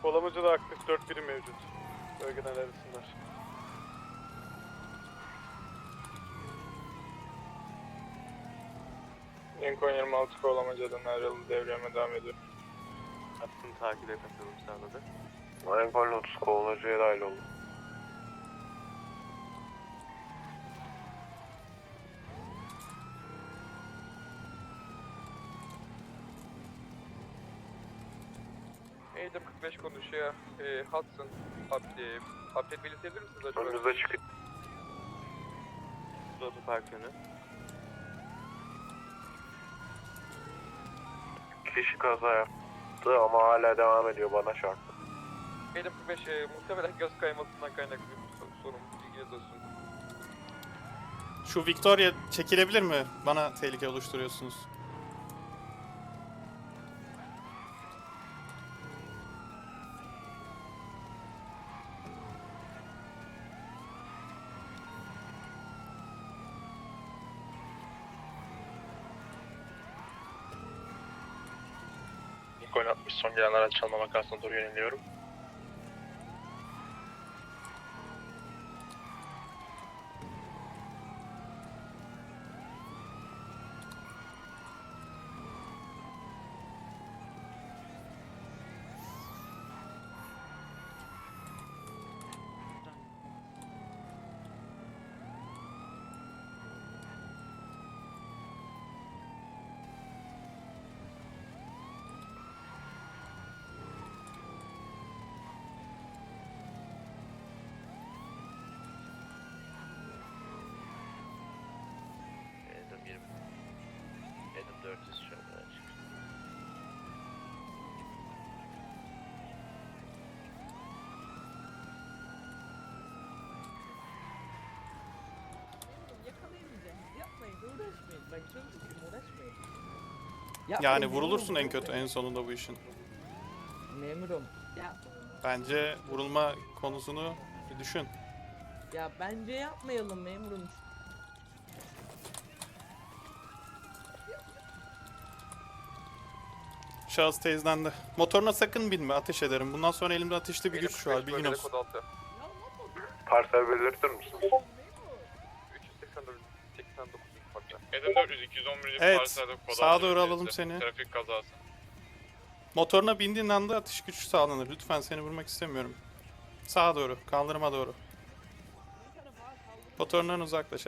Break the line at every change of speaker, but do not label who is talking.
Kolamacıda aktif 4 birim mevcut. Bölgeden arasınlar.
Lincoln 26 Kovalamaca'dan ayrıldı, devreme devam ediyor.
Hattını takibe katılım sağladı.
Lincoln 30 Kovalamaca'ya dahil oldu.
Eğitim 45 konuşuyor. Hudson, update belirtebilir misiniz acaba?
Önümüzde çıkıyor.
Otopark yönü.
Kişi kaza yaptı ama hala devam ediyor, bana çarptı.
Eğitim 45 muhtemelen göz kaymasından kaynaklı bir sorun. Bilginiz olsun.
Şu Victoria çekilebilir mi? Bana tehlike oluşturuyorsunuz.
Lincoln 60 son gelen araç çalma makasına doğru yöneliyorum.
Edim 20. Edim 400 şu an açık.
Yakalayamayacaksınız. Yapmayın, uğraşmayın. Bak çok sıkıntı, uğraşmayın.
Yani
Yapmayın,
vurulursun en
memurum,
kötü en sonunda bu işin.
Memurum.
Bence vurulma konusunu bir düşün.
Ya bence yapmayalım memurum.
Şahıs teyzelendi. Motoruna sakın binme, ateş ederim. Bundan sonra elimde ateşli bir
Eğitim
güç var,
45
bilgin
bölgede
olsun.
kod 6.
Parsel belirtir misiniz?
384 89 farklı.
Edim 400 211.
Evet,
parselde kod
sağa
altı
doğru
bölgesi.
alalım seni.
Trafik kazası.
Motoruna bindiğin anda atış gücü sağlanır. Lütfen seni vurmak istemiyorum. Sağa doğru, kaldırıma doğru. Motorundan uzaklaş.